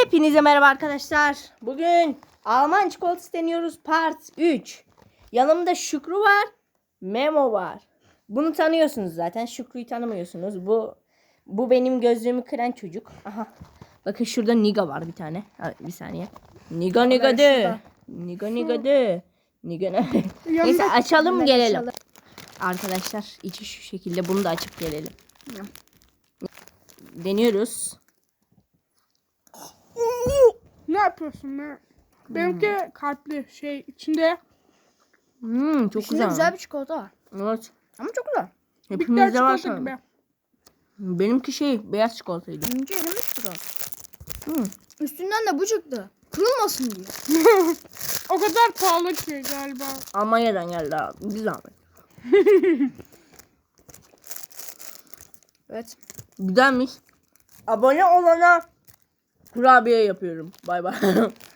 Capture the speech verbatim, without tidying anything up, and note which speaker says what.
Speaker 1: Hepinize merhaba arkadaşlar. Bugün Alman çikolatası deniyoruz part üç. Yanımda Şükrü var, Memo var. Bunu tanıyorsunuz zaten. Şükrü'yü tanımıyorsunuz. Bu bu benim gözlüğümü kıran çocuk. Aha. Bakın şurada Niga var bir tane. Ha, bir saniye. Niga Niga de. Niga Niga de. Niga ne? Neyse açalım gelelim. Arkadaşlar içi şu şekilde. Bunu da açıp gelelim. Deniyoruz.
Speaker 2: Ne yapıyorsun be? Benimki kalpli şey içinde
Speaker 1: Hmm, çok
Speaker 3: İçinde
Speaker 1: güzel.
Speaker 3: güzel bir çikolata var.
Speaker 1: Evet.
Speaker 3: Ama çok güzel.
Speaker 2: bitter
Speaker 1: Hepimizde var
Speaker 2: çikolata
Speaker 1: sanırım.
Speaker 2: gibi.
Speaker 1: Benimki şey beyaz çikolataydı.
Speaker 3: Önce erimiş biraz.
Speaker 1: Hmm.
Speaker 3: Üstünden de bu çıktı. Kırılmasın diye.
Speaker 2: O kadar pahalı ki galiba.
Speaker 1: Almanya'dan geldi abi. Bir zahmet.
Speaker 3: Evet.
Speaker 1: Güzelmiş. Abone olana kurabiye yapıyorum. Bay bay.